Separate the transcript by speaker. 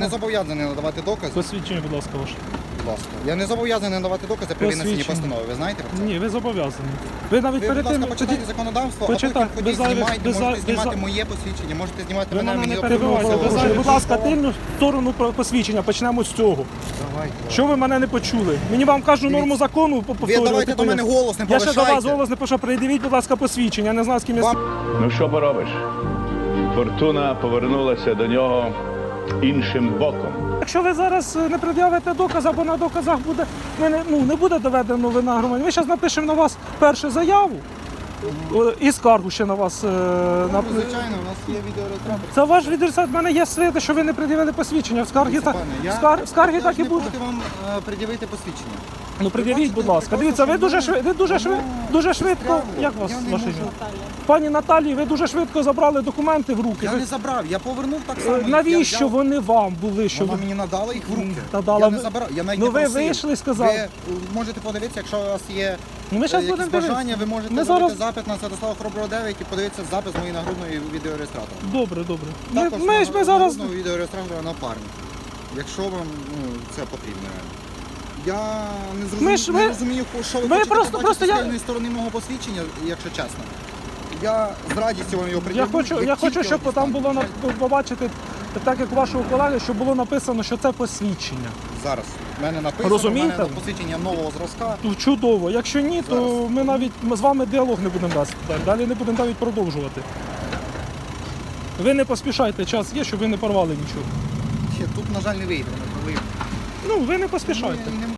Speaker 1: не зобов'язаний надавати докази.
Speaker 2: Посвідчення, будь ласка, ваше.
Speaker 1: Будь ласка. Я не зобов'язаний надавати докази при винесенні
Speaker 2: Посвідчення.
Speaker 1: постанови. Ви знаєте про це?
Speaker 2: Ні, ви зобов'язані. Ви навіть
Speaker 1: Ви,
Speaker 2: перед
Speaker 1: будь ласка,
Speaker 2: тим...
Speaker 1: почитайте законодавство, а
Speaker 2: Почитай.
Speaker 1: потім ходіть,
Speaker 2: Без зайвих-
Speaker 1: знімайте,
Speaker 2: без
Speaker 1: можете
Speaker 2: за-
Speaker 1: знімати
Speaker 2: без за-
Speaker 1: моє посвідчення, можете знімати
Speaker 2: Ви
Speaker 1: мене,
Speaker 2: мене
Speaker 1: мені
Speaker 2: не перебивайте.
Speaker 1: обов'язково.
Speaker 2: Будь ласка, тильну сторону посвідчення. Почнемо з цього.
Speaker 1: Давайте.
Speaker 2: Що ви мене не почули? Мені вам кажу норму закону
Speaker 1: Ви
Speaker 2: повторювати.
Speaker 1: давайте до мене голос не
Speaker 2: Я ще до вас
Speaker 1: повишайте.
Speaker 2: голос не пишу. Придивіть, будь ласка, посвідчення. Я не знаю, з ким я...
Speaker 1: Вам-
Speaker 3: Ну що поробиш? Фортуна повернулася до нього іншим боком.
Speaker 2: Якщо ви зараз не пред'явите доказ, або на доказах буде, не буде доведено вина громадянина, ми зараз напишемо на вас першу заяву і скаргу ще на вас.
Speaker 1: Ну, звичайно, у нас є відеореєстратор.
Speaker 2: Це ваш відрізат. В мене є свідки, що ви не пред'явили посвідчення. В скаргі,
Speaker 1: Пане, я-
Speaker 2: в скаргі так і
Speaker 1: не
Speaker 2: буде.
Speaker 1: проти вам пред'явити посвідчення.
Speaker 2: Ну пред'явіть, будь ласка.
Speaker 1: просто,
Speaker 2: Дивіться, ви
Speaker 1: що
Speaker 2: дуже швидко.
Speaker 1: застрягло.
Speaker 2: Як вас
Speaker 1: Я не
Speaker 2: ваше
Speaker 1: можу.
Speaker 2: ім'я? Пані Наталії, ви дуже швидко забрали документи в руки.
Speaker 1: Я не забрав, я повернув так само. як
Speaker 2: Навіщо
Speaker 1: я взяв.
Speaker 2: вони вам були? Що
Speaker 1: Вона
Speaker 2: ви...
Speaker 1: мені надала їх в руки.
Speaker 2: Надала.
Speaker 1: Я не забирав, я навіть
Speaker 2: Ну,
Speaker 1: не
Speaker 2: ви
Speaker 1: просив.
Speaker 2: вийшли і сказали.
Speaker 1: Ви можете подивитися, якщо у вас є
Speaker 2: Ну, ми зараз
Speaker 1: якісь
Speaker 2: будемо
Speaker 1: бажання,
Speaker 2: дивитися.
Speaker 1: ви можете
Speaker 2: Ми
Speaker 1: зробити
Speaker 2: зараз-
Speaker 1: запит на Святослава Хороброго 9 і подивитися запис моєї нагрудної відеореєстратора.
Speaker 2: Добре, добре.
Speaker 1: Також
Speaker 2: Ми зараз...
Speaker 1: нагрудного відеореєстратора напарник. Якщо вам це потрібно. Я не
Speaker 2: Ми
Speaker 1: зрозумію,
Speaker 2: ж-
Speaker 1: не
Speaker 2: ми-
Speaker 1: розумію, що ви
Speaker 2: ми
Speaker 1: хочете
Speaker 2: просто
Speaker 1: побачити з
Speaker 2: я-
Speaker 1: тильної сторони мого посвідчення, якщо чесно. Я з радістю вам його
Speaker 2: Я
Speaker 1: приділю.
Speaker 2: хочу, щоб там було побачити, так як у вашого колеги, щоб було написано, що це посвідчення.
Speaker 1: Зараз. В мене написано,
Speaker 2: Розумієте?
Speaker 1: в мене посвідчення нового зразка.
Speaker 2: Ну, чудово. Якщо ні, то
Speaker 1: Зараз.
Speaker 2: ми з вами діалог не будемо вести. Далі не будемо навіть продовжувати. Ви не поспішайте, час є, щоб ви не порвали нічого.
Speaker 1: Тут, на жаль, не вийде.
Speaker 2: Ну, ви не поспішайте.
Speaker 1: Не